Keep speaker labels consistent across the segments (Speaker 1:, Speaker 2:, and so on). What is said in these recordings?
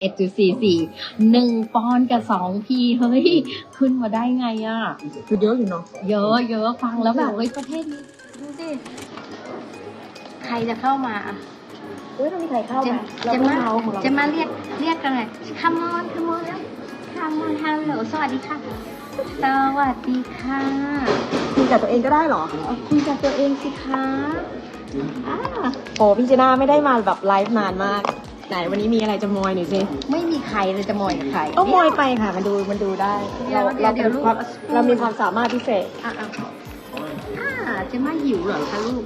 Speaker 1: 1.44 1 ปอนด์กับ2 พีเฮ้ยขึ้นมาได้ไงอ่ะ
Speaker 2: คือเยอะอยู่เนาะ
Speaker 1: เยอะเยอะฟังแล้วแบบเฮ้ยประเทศนี้ดูสิใครจะเข้ามา
Speaker 2: อุ้ยต้องมีใครเข้ามา
Speaker 1: จะมาเรียกกันเลย come on come on แล้ว come on hello สวัสดีค่ะ สวัสดีค่ะ
Speaker 2: คุยกับตัวเองก็ได้เหรอ
Speaker 1: เอาคุยกับตัวเองสิคะอ่า
Speaker 2: โอ้พี่เจน่าไม่ได้มาแบบไลฟ์นานมาก ไหนวันนี้มีอะไรจะมอยหน่อยสิ
Speaker 1: ไม่มีใครเลยจะมอยกับใคร
Speaker 2: ก็มอยไปค่ะมันดูได้
Speaker 1: เดี๋ยวลูก
Speaker 2: เรามีความสามารถพิเศษ
Speaker 1: จะมาหิวเหรอคะลูก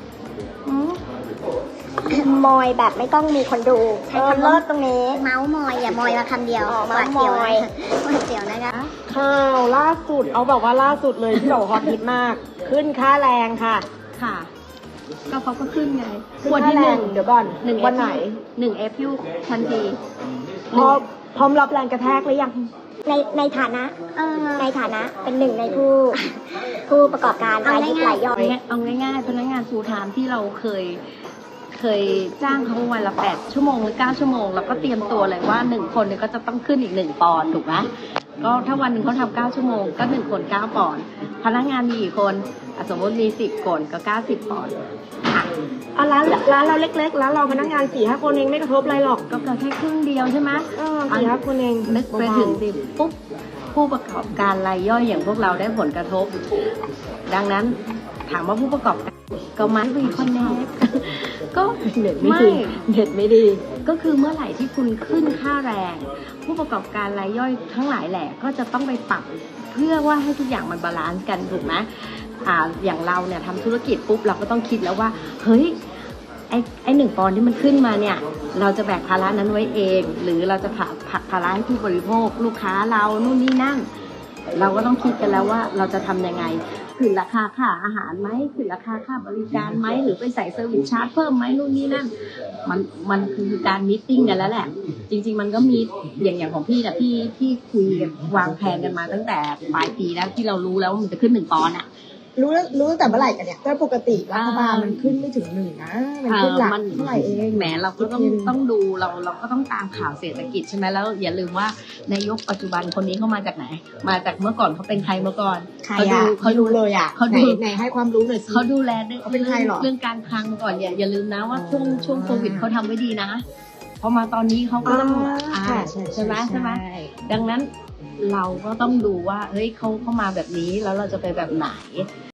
Speaker 3: มอยแบบไม่ต้องมีคนดู
Speaker 2: ใช้คำว่า
Speaker 3: เลิศตรงนี้ เมาส์มอยอย่ามอยมาคำเดียว
Speaker 2: อ๋อ
Speaker 3: หวาดเสียว
Speaker 2: เมาส์มอย
Speaker 3: หวาดเสียวนะคะ
Speaker 2: ข่าวล่าสุดเอาแบบว่าล่าสุดเลยที่เราฮอตฮิตมาก ขึ้นค่าแรงค่ะ
Speaker 1: ค่ะ ก็เขาก็ขึ้นไง
Speaker 2: ขึ้น
Speaker 1: วัน
Speaker 2: ค่า
Speaker 1: ที่
Speaker 2: แร
Speaker 1: หนึ่
Speaker 2: ง
Speaker 1: ง
Speaker 2: เดี๋ยวก่อนวันไหน
Speaker 1: 1 เอพิวทันที
Speaker 2: พร้อมรับแรงกระแทกหรือยัง
Speaker 3: ในฐานะในฐานะเป็นหนึ่งในผู้ประกอบการรายยิบรายย่อย
Speaker 1: เอาง่ายๆพนักงานฟูลไทม์ที่เราเคยจ้างเขาวันละ8 ชั่วโมงหรือ9 ชั่วโมงเราก็เตรียมตัวเลยว่า1 คนเนี่ยก็จะต้องขึ้นอีก1 ปอนด์ถูกไหมก็ถ้าวันหนึ่งเขาทำ9 ชั่วโมงก็1 คน9 ปอนด์พนักงานมีกี่คนสมมติมี10 คนก็90 ปอนด์ค่ะ
Speaker 2: ร้านเราเล็กๆร้านเราพนักงาน4-5 คนเองไม่กระทบอะไรหรอก
Speaker 1: ก็แค่ครึ่งเดียวใช่ไหม
Speaker 2: 4-5 คนเอง
Speaker 1: นึกไปถึงสิปุ๊บผู้ประกอบการรายย่อยอย่างพวกเราได้ผลกระทบ ดังนั้นถามว่าผู้ประกอบการก็ไม่มีคอนแนคก็
Speaker 2: เน็ตไม่ดีเน็ตไม่ดี
Speaker 1: ก็คือเมื่อไหร่ที่คุณขึ้นค่าแรง ผู้ประกอบการรายย่อยทั้งหลายแหละก็จะต้องไปปรับเพื่อว่าให้ทุกอย่างมันบาลานซ์กันถูกไหมอย่างเราเนี่ยทำธุรกิจปุ๊บเราก็ต้องคิดแล้วว่าเฮ้ยไอ้1 ปอนด์ที่มันขึ้นมาเนี่ยเราจะแบกภาระนั้นไว้เอง หรือเราจะผลักภาระให้ผู้บริโภคลูกค้าเรานู่นนี่นั่นเราก็ต้องคิดกันแล้วว่าเราจะทำยังไงขึ้นราคาค่าอาหารไหมขึ้นราคาค่าบริการไหมหรือไปใส่เซอร์วิสชาร์จเพิ่มไหมนู่นนี่นั่นมันคือการมีตติ้งกันแล้วแหละจริงๆมันก็มีอย่างของพี่นะพี่คุยกันวางแผนกันมาตั้งแต่ปลายปีแล้วที่เรารู้แล้วว่ามันจะขึ้น1 ปอนด์อ่ะ
Speaker 2: รู้ตั้งแต่เมื่อไหร่กันเนี่ยแต่ปกติรัฐบาลมันขึ้นไม่ถึง1นะมันขึ้นหลักเท่าไหร่เอง
Speaker 1: แหมเราก็ต้องดูเราก็ต้องตามข่าวเศรษฐกิจใช่ไหมแล้วอย่าลืมว่านายกปัจจุบันคนนี้เขามาจากไหนมาจากเมื่อก่อนเขาเป็นใครเมื่อก่อน
Speaker 2: เขาดูเลยอ่ะเขาดูไหนให้ความรู้หน่อยสิ
Speaker 1: เขาดูแล
Speaker 2: เขาเป็นใครหรอ
Speaker 1: เรื่องการคลังมาก่อนอย่าลืมนะว่าช่วงโควิดเขาทำไว้ดีนะพอมาตอนนี้เขาก็ต้องใช่ไหมดังนั้นเราก็ต้องดูว่าเฮ้ยเขามาแบบนี้แล้วเราจะไปแบบไหน